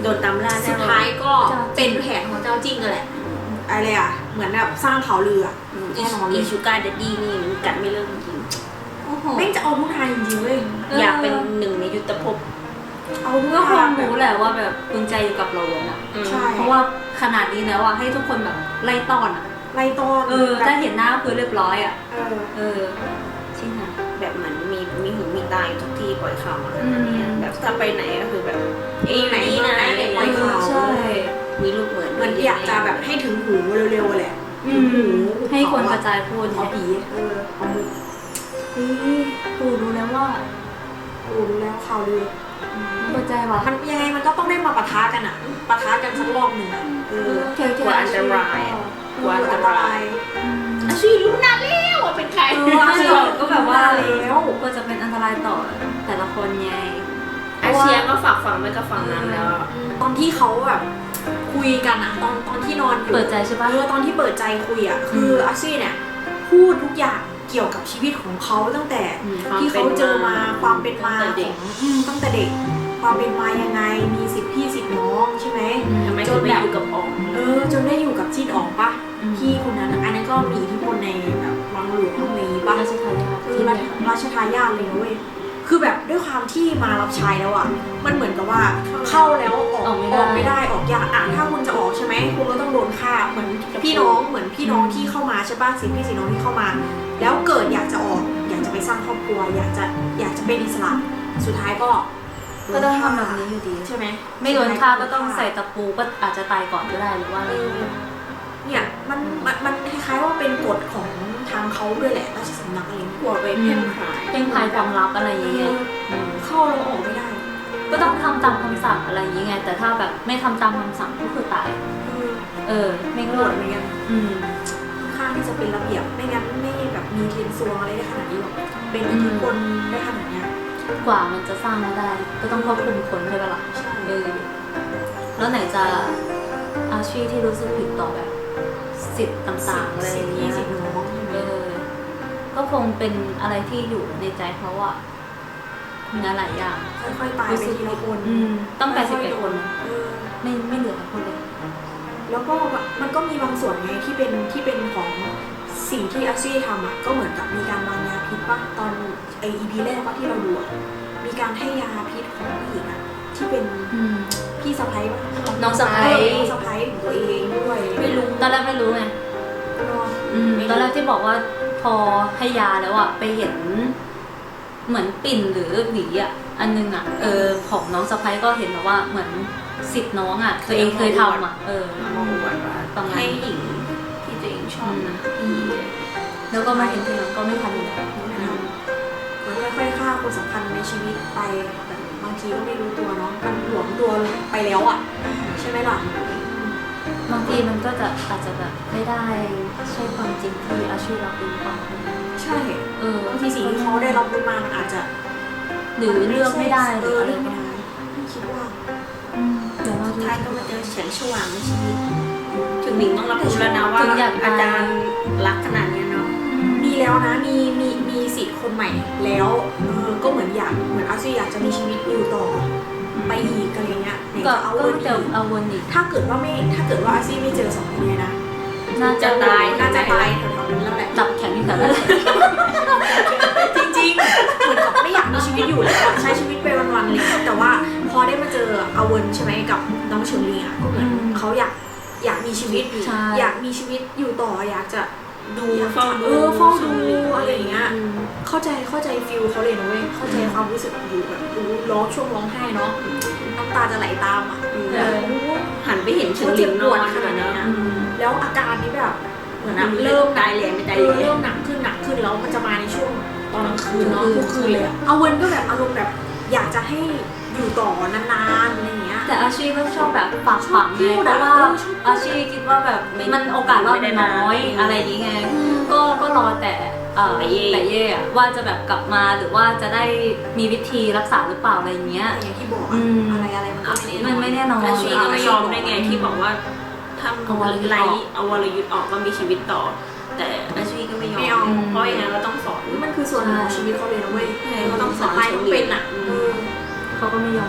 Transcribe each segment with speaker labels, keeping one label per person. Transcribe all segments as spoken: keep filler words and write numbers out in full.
Speaker 1: โดนตามล่าแน่นอน
Speaker 2: สุดท้ายก็เป็นแผนของเจ้าจิ้งกันแหละอะไรอ่ะเหมือนแบบสร้างข่าวลืออ่ะแน่นอนเล
Speaker 1: อี
Speaker 2: ย
Speaker 1: ชูการ์เดดดี้นี่มันกัดไม่เลิกจริง
Speaker 3: โอ้โห
Speaker 2: แม่งจะเอาทุกทางจริงๆเว้ย
Speaker 1: อยากเป็นหนึ่งในยุทธภพ
Speaker 2: เอาทุก
Speaker 3: ก็ค
Speaker 2: ทาง ง
Speaker 3: รู้แหละว่าแบบกุญแจอยู่กับเราอะ
Speaker 2: ใช่
Speaker 3: เพราะว่าขนาดนี้แล้วอะให้ทุกคนแบบไล่ต้อนอะ
Speaker 2: ไล่ต้อน
Speaker 3: เออถ้าเห็นหน้าก็คือเรียบร้อยอะ
Speaker 2: เออ
Speaker 3: เออจริงอะ
Speaker 1: แบบเหมือนมีมีหูมีตาอยู่ทุกที่ปล่อยข่าวมา
Speaker 3: อืม
Speaker 1: เนี่ยแบบถ้าไปไหนก็คือแบบเอ้ย
Speaker 2: ไหน
Speaker 1: นี่นะ
Speaker 2: ไหน
Speaker 1: อะไร
Speaker 2: ปล่อยข่าว
Speaker 3: ใช่
Speaker 1: มีลูกเหมือน
Speaker 2: เหมือนอยากจะแบบให้ถึงหูเร็วๆแหละ
Speaker 3: อืมให้คนกระจายพูด
Speaker 2: เอาผีเออเอามุก
Speaker 3: นี่ปูรู้แล้วว่า
Speaker 2: รู้แล้วข่าวลือ
Speaker 3: หัวใจว่ะ
Speaker 2: มันยังไงมันก็ต้องได้มาปะทะกันอ่ะปะทะกันสักรอบหนึ่งอ่ะเออ
Speaker 3: เกี่ยว
Speaker 1: กลัวอันตรายอะกลัวอันตราย
Speaker 3: อืม
Speaker 1: อาชีรู้นานแล้วว่าเป็นใคร
Speaker 3: เอออาชีพก็แบบว่า
Speaker 2: แล้ว
Speaker 3: ก็จะเป็นอันตรายต่อแต่ละคนไง
Speaker 1: อาเชียก็ฝากฝังไว้กับฝั่งนั้นแล้วอะ
Speaker 2: ตอนที่เขาแบบคุยกันอ่ะตอนตอนที่นอนอยู่
Speaker 3: เปิดใจใช่ปะ
Speaker 2: เออตอนที่เปิดใจคุยอ่ะคืออาซี่เนี่ยพูดทุกอย่างเกี่ยวกับชีวิตของเขาตั้งแต่
Speaker 1: อืม
Speaker 2: ที่เขาเจอมาความเป็นมา
Speaker 1: ตั้งแต่
Speaker 2: ข
Speaker 1: เด็
Speaker 2: อก งอืมตั้งแต่เด็ก ความเป็นมายังไงมีสิทธิพี่สิทธิน้องใช่ไหม
Speaker 1: ทำไมถึงไม่อยู่กับออม
Speaker 2: เออจนได้อยู่กับจีนออกปะ
Speaker 3: อืม
Speaker 2: พี่คนนั้นอะอันนั้นก็มีอิทธิพลในแบบวังหลวงอะไรอย่างงี้ปะ
Speaker 3: ราชทายาท
Speaker 2: คือราชราชทายาทเลยนะเว้ยคือแบบด้วยความที่มารับใช้แล้วอ่ะมันเหมือนกับว่าเข้าแล้วออก
Speaker 3: ออกไม่
Speaker 2: อ
Speaker 3: ได้
Speaker 2: อกไม่ได้ออกยากอ่ะถ้าคุณจะออกใช่ไหมคุณก็ต้องโดนฆ่าเหมือนพี่น้องเหมือนพี่น้องที่เข้ามาใช่ปะสิพี่สิน้องที่เข้ามา แล้วเกิดอยากจะออก อยากจะไปสร้างครอบครัว อยากจะอยากจะเป็นอิสระสุดท้ายก็
Speaker 3: ก็ต้องทำแบบนี้อยู่ดี
Speaker 2: ใช่ไหม
Speaker 3: ไม่โดนฆ่าก็ต้องใส่ตะปูก็อาจจะตายก่อนก็ได้หรือว่าอะไร
Speaker 2: เออเนี่ยมันมันมันคล้ายๆว่าเป็นกฎของทางเขาด้วยแหละราชสำนักอะไร
Speaker 1: กลัวไปเพ่นพราย
Speaker 3: เป็นภายความลับอะไรอย่างเงี้ยอืม
Speaker 2: เข้าแล้วออกไม่ได้
Speaker 3: ก็ต้องทำตามคำสั่งอะไรอย่างเงี้ยแต่ถ้าแบบไม่ทำตามคำสั่งก็คือตาย
Speaker 2: เออ
Speaker 3: เออ ไม่
Speaker 2: ไม่
Speaker 3: ก็
Speaker 2: กฎเหมือนกัน
Speaker 3: อืม
Speaker 2: ค่อนข้างที่จะเป็นระเบียบไม่งั้นไม่แบบมีเทียนซวงอะไรได้ขนาดนี้หรอกเป็นอิทธิพลได้ขนาดเนี้ย
Speaker 3: กว่ามันจะสร้างมาได้ ก็ต้องควบคุมคนใช่ปะล่ะ
Speaker 2: ใช่
Speaker 3: เออแล้วไหนจะอาชีพที่รู้สึกผิดต่อแบบสิทธิ์ต่างๆอะไรอย่างเงี้ย
Speaker 2: สิทธิน้องใช่ไหม
Speaker 3: เออ ก็คงเป็นอะไรที่อยู่ในใจเขาอะงานหลายอย่าง
Speaker 2: ค่อยๆตายไปทีละคน
Speaker 3: อืมต้องแปดสิบเอ็ดคน
Speaker 2: เออ
Speaker 3: ไม่ไม่เหลือคนเลย
Speaker 2: แล้วก็มันก็มีบางส่วนไงที่เป็นที่เป็นของสิ่งที่อาซี่ทำอ่ะก็เหมือนกับมีการวางยาพิษป่ะตอนไออีพีแรกป่ะที่เราดูอะมีการให้ยาพิษของผู้หญิงอ่ะที่เป็น
Speaker 3: อืม
Speaker 2: พี่สะใภ้ป่ะ
Speaker 3: น้องสะใภ้
Speaker 2: เออน้องสะใภ้ของตัวเองด้วย
Speaker 3: ไม่รู้ตอนแรกไม่รู้ไง
Speaker 2: เนอะ
Speaker 3: อืมตอนแรกที่บอกว่าพอให้ยาแล้วอะไปเห็น เหมือนปิ่นหรือหวีอะอันนึงอะเออของน้องสะพ้ายก็เห็นแบบว่าเหมือนสิทธิ์น้องอะตัวเองเคยทำอะเออ
Speaker 1: มาบอกว่า
Speaker 3: ประมาณ
Speaker 1: ให้หญิงที่ตัวเองชอบนะพี่
Speaker 3: แล้วก็มาเห็นทีหลังก็ไม่ทันแล้ว
Speaker 2: ไม่ทำมันค่อยๆฆ่าคนสำคัญในชีวิตไปแบบบางทีก็ไม่รู้ตัวเนาะมันหลวมตัวไปแล้วอ่ะใช่ไหมล่ะ
Speaker 3: บางทีมันก็จะอาจจะแบบไม่ได้ใช่ความจริงที่อาชีพรับรู้ก่อน
Speaker 2: ใช่
Speaker 3: เออบ
Speaker 2: างทีสิ่งที่เขาได้รับรู้มามันอาจจะ
Speaker 3: หรือเลือกไม่ได้ห
Speaker 2: เอ
Speaker 3: รือ
Speaker 2: อ
Speaker 3: อะไร
Speaker 2: เลือก
Speaker 3: ก็
Speaker 2: ไม่
Speaker 3: ได้
Speaker 2: ได้ไม่คิดว่า
Speaker 3: อืมเดี๋ยวเรา
Speaker 1: สุด
Speaker 3: ดู
Speaker 1: ท้ายก็มาเจอแสงสว่างในชีวิต ถึงหนิงต้องรับรู้แล้วนะว่าอาจารย์รักขนาดเนี้ยเนาะ
Speaker 2: มีแล้วนะมีมีมีสิทธิ์คนใหม่แล้วเออก็เหมือนอยากเหมือนอาซี่อยากจะมีชีวิตอยู่ต่อไปอีกอะไรเงี้ยไหน
Speaker 3: ก็
Speaker 2: จะเอา
Speaker 3: ก็
Speaker 2: เวิร์น
Speaker 3: จะ
Speaker 2: อีก
Speaker 3: เอาวนอีก
Speaker 2: ถ้าเกิดว่าไม่ถ้าเกิดว่าอาซี่ไม่เจอสองคนเนี้นะ
Speaker 3: น่าจะ
Speaker 1: จะตาย
Speaker 2: น่าจะตายแถวๆนั้นแล้วแหละ
Speaker 3: จับแขนอยู่แถวนั้น
Speaker 2: จริงๆ เหมือนกับไม่อยากมีชีวิตอยู่แล้วอะใช้ชีวิตไปวันๆเลยแต่ว่าพอได้มาเจออาเวินใช่ไหมกับน้องเฉิงลีอ่ะก็เหมือนเขาอยากอยากมีชีวิต
Speaker 3: ใช่
Speaker 2: อยากมีชีวิตอยู่ต่ออยากจะ
Speaker 1: ดู
Speaker 2: อยาก
Speaker 1: เฝ้า
Speaker 2: จะ
Speaker 1: ดู
Speaker 2: เออเฝ้าดูอะไรอย่างเงี้ย
Speaker 3: อืม
Speaker 2: เข้าใจเข้าใจฟิลเขาเลยนะเว้ยเข้าใจความรู้สึกอยู่แบบดูร้องช่วงร้องไห้เนาะน้ำตาจะไหลตามอ่ะ
Speaker 1: เอ
Speaker 2: แบบ
Speaker 1: อ
Speaker 2: โอ้โห
Speaker 1: หันไปเห็นเฉิงหลิงนอนขนาดนั้น
Speaker 3: อืม
Speaker 2: แล้วอาการนี้แบบเหมือนอะ
Speaker 1: เริ่
Speaker 2: เริ่
Speaker 1: ม
Speaker 2: ม
Speaker 1: ตายแหลมไม่ตาย
Speaker 2: เอ
Speaker 1: แหล
Speaker 2: อเริ่
Speaker 1: ม
Speaker 2: มหนักขึ้นหนักขึ้นแล้วมันจะมาในช่วงตอนกลางคืนเนาะ
Speaker 3: อืม
Speaker 2: ทุกคืนเลยอะเอาเวนก็แบบอารมณ์แบบอยากจะให้อยู่ต่อนานๆอะไรอย่างเงี้ย
Speaker 3: แต่อาชีพก็ชอบแบบฝากฝังไง
Speaker 2: ชอบพูด
Speaker 3: เพ
Speaker 2: อะ
Speaker 3: ราะว่า
Speaker 2: เออชอบพูด
Speaker 3: อาชีพคิดว่าแบบมันโอกาสรอดมันน้อยอะไรอย่างเงี้ยก็ก็รอแต่เอ่อแต่เย่อะว่าจะแบบกลับมาหรือว่าจะได้มีวิธีรักษาหรือเปล่าอะไรอย่างเงี้ย
Speaker 2: แต่อย่างที่บอก
Speaker 3: อื
Speaker 2: อะ
Speaker 3: ม
Speaker 2: อะไรอะไรมันก็
Speaker 3: มันไม่แน่นอน
Speaker 1: อาชีพก็ไม่ยอมได้ไงที่บอกว่าถ้า
Speaker 3: เอาวรยุทธ์
Speaker 1: ไล่
Speaker 3: ออก
Speaker 1: เอาวรยุทธ์ออกก็มีชีวิตต่อ แต่อาชีพก็ไม่ยอ
Speaker 2: ไม่เอา
Speaker 1: มเพราะอย่างนั้นเราต้องสอน
Speaker 2: มันคือส่วนหนึ่งของชีวิตเขาเลยนะเว้ย
Speaker 1: ใช่
Speaker 2: เขาต้องสอน
Speaker 1: ใช่
Speaker 2: ต้องเป็นอะ
Speaker 1: อืม
Speaker 2: เออ
Speaker 3: เขาก็ไม่ยอมอยู่แล้ว
Speaker 2: เ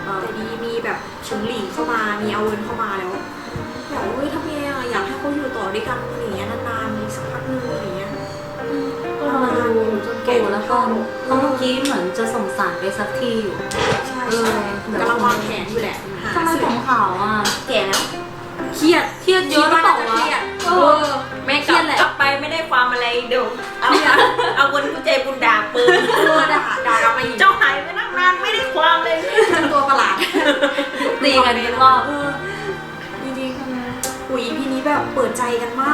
Speaker 3: อ
Speaker 2: แต่ดีมีแบบเฉิงหลิงเข้ามามีเอาเวินเข้ามาแล้วแบบเฮ้ยทำไงอะอยากให้เขาอยู่ต่อด้วยกันอย่างเงี้ยนานๆอีกสักพักนึงอะไรเงี้ย
Speaker 3: ก็รอดูจนโตแล้วก็เพราะเมื่อกี้เหมือนจะส่งสารไปสักที่อยู่
Speaker 2: ใช่
Speaker 3: เออ
Speaker 2: ใช่กำลังวางแผนอยู่แหละหา
Speaker 3: ทำไม
Speaker 2: สื่
Speaker 3: ผ
Speaker 2: อ
Speaker 3: มขาวอ่ะ
Speaker 1: แก่แล้ว
Speaker 2: เครียด
Speaker 3: เครียดเยอะหรือเปล่าวะ
Speaker 2: เครียด
Speaker 3: เอ
Speaker 2: เอ
Speaker 3: อ
Speaker 2: อ
Speaker 1: แม่กลับกลับไปไม่ได้ความอะไรเดี๋ยวเอาเอาคนผู้ใจบุญด่าปืน
Speaker 2: เออด่าด่ากลับมาอีก
Speaker 1: เจ้าหายไปนั่งนานไม่ได้ความเลย
Speaker 2: เจ้าตัวประหลาด
Speaker 3: ตีกันทุกรอบ
Speaker 2: เออจริงๆอุ้ยพี่นี้แบบเปิดใจกันมาก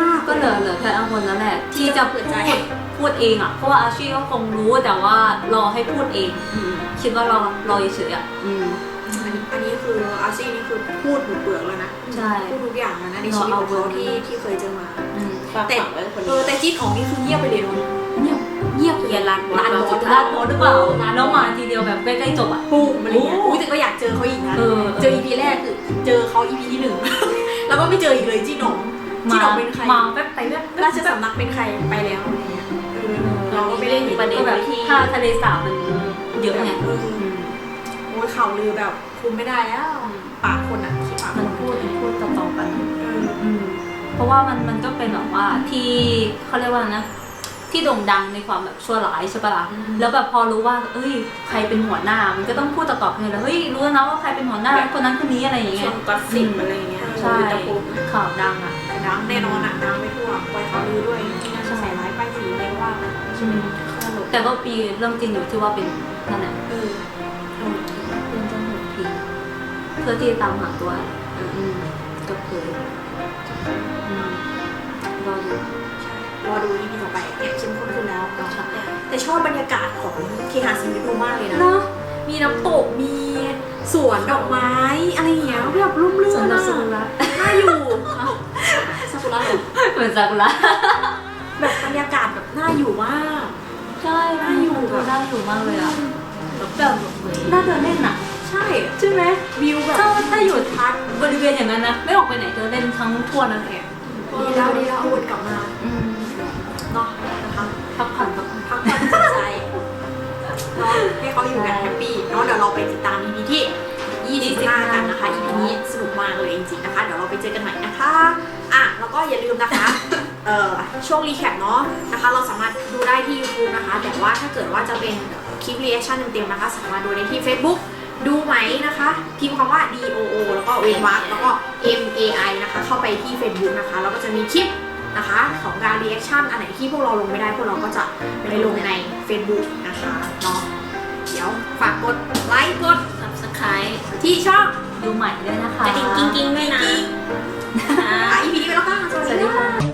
Speaker 3: ก็เหลือเหลือแค่อาคนนั่นแหละ ที่จะ
Speaker 2: เปิ
Speaker 3: พู
Speaker 2: ด
Speaker 3: ด
Speaker 2: ใจ
Speaker 3: พูดเองอ่ะ เพราะว่าอาชีพก็คงรู้แต่ว่ารอให้พูดเองอืมคิดว่ารอรอเฉยๆอ่ะอืม
Speaker 2: อันนี้อันนี้คืออาซี่นี่คือพูดหมดเปลือกแล้วนะ
Speaker 3: ใช่
Speaker 2: พูดทุกอย่างแล้วนะในชีวิตของเขาที่ที่เคยเจอมา
Speaker 3: อืม
Speaker 1: ฝากฝังไว้คน
Speaker 2: เอ
Speaker 1: นี้
Speaker 2: อแต่จีนของนี่คือเงียบไปเลยเนาะ
Speaker 3: เงียบเงียบ
Speaker 1: อย่าลัน
Speaker 2: ลานบอส
Speaker 3: ลาดโพสหรือเปล่าแล้วมาทีเดียวแบบใกล้ๆจบอ่ะ
Speaker 2: ปุ๊บอะไรเงี้ยอุ้ยแต่ก็อยากเจอเขาอีกนะ
Speaker 3: เออ
Speaker 2: เจออีพีแรกคือเจอเขาอีพีที่หนึ่ง แล้วก็ไม่เจออีกเลยจีนหนองจี
Speaker 3: มาน
Speaker 2: หนองเป็นใคร
Speaker 3: มาแป๊บไปแป๊บ
Speaker 2: ราชสำนักเป็นใครไปแล้วอะไรเงี้ยเออเราก็ไม่ได้เห็น
Speaker 3: ประเด็นแบบถ้าทะเลสาบมันเยอะไง
Speaker 2: เออโอ้ยข่าวลือแบบคุมไม่ได้แล้วปากคนอ่ะขี้ปากค
Speaker 3: มัน
Speaker 2: น
Speaker 3: พูดพูดต่อๆกัน
Speaker 2: เออ
Speaker 3: อืมเพราะว่ามันมันก็เป็นแบบว่าที่เขาเรียกว่านะ ที่โด่งดังในความแบบชั่วร้ายใช่ปะล่ะแล้วแบบพอรู้ว่าเอ้ยใครเป็นหัวหน้า มันก็ต้องพูดต่อๆกันเลยแล้วเฮ้ยรู้แล้วนะว่าใครเป็นหัวหน้าคนนั้นคนนี้อะไรอย่างเงี้
Speaker 1: ช่วย งก็สิบอะไรเงี้ย
Speaker 3: ใช่
Speaker 1: ตะปู
Speaker 3: ข่าวดังอ่ะ
Speaker 2: ดังแน่นอนอ่ะดังไปทั่วปล่อยข่าวลือด้วยที่น่าจะใส่ร้ายป้ายสีอะไรก็ว่าไปใช่ไหมตลก
Speaker 3: แต่ก็ปีเรื่องจริงอยู่ที่ว่าเป็นนั่นแหละ
Speaker 2: เออเออ
Speaker 3: เป็นเจ้าหน้าที่เพื่อที่จะตามหาตัวอืมก็คืออืมรอดู
Speaker 2: รอดูอีพีต่อไปเนี่ยเข้มข้นขึ้นแล้วเนาะแต่ชอบบรรยากาศของเคหะซีรีส์ดูมากเลยนะ
Speaker 3: เนาะ
Speaker 2: มีน้ำตกมีสวนดอกไม้อะไรอย่างเงี้ยแบบร่มรื่
Speaker 3: สวน
Speaker 2: น
Speaker 3: ดอก
Speaker 2: อะ
Speaker 3: ซากุระ
Speaker 2: น่าอยู่ซากุระเหรอ
Speaker 3: เหมือนซากุระ
Speaker 2: แบบบรรยากาศแบบน่าอยู่มาก
Speaker 3: ใช่น่าอยู่แบบน่าอยู่มากเลยอ่ะแบบน่าเดินเล่นอ่ะ
Speaker 2: ใช่
Speaker 3: ใช่ไหม
Speaker 2: วิวแบบ
Speaker 3: ถ้าถ้าอยู่
Speaker 2: ทัด
Speaker 3: บริเวณอย่างนั้นนะไม่ออกไปไหนเดินเล่นทั้งทั่วนั่นเอง
Speaker 2: ดีแล้วดีแล้วเอาวนกลับมา
Speaker 3: อืม
Speaker 2: เนาะนะคะ
Speaker 3: พักผ่อนพักผ่อน
Speaker 2: พักผ่อนจิตใจเนาะให้เขาอยู่กันแฮปปี้เนาะเดี๋ยวเราไปติดตาม อี พี ที่ยี่สิบห้ากันนะคะ อี พี นี้สนุกมากเลยจริงๆนะคะเดี๋ยวเราไปเจอกันใหม่นะคะอ่ะแล้วก็อย่าลืมนะคะเอ่อช่วงรีแคปเนาะนะคะเราสามารถดูได้ที่ YouTube นะคะแต่ว่าถ้าเกิดว่าจะเป็นคลิปรีแอคชั่นเต็มๆนะคะสามารถดูได้ที่ Facebook ดูไหมนะคะพิมพ์คำว่า ดี โอ โอ แล้วก็เวนวรรคแล้วก็ เอ็ม เอ ไอ นะคะเข้าไปที่ Facebook นะคะแล้วก็จะมีคลิปนะคะของการรีแอคชั่นอันไหนที่พวกเราลงไม่ได้พวกเราก็จะไปลงใน Facebook นะคะเนาะเดี๋ยวฝากกดไลค์กด
Speaker 1: สับสไครต์
Speaker 2: ที่ช่อง
Speaker 3: ดูใหม่ด้วยนะคะ
Speaker 1: กระดิ่งกิ้งๆด้วยนะ
Speaker 2: อ่ะ อี พี นี้ไปแล้วค่ะ
Speaker 3: สวัสดีค่ะ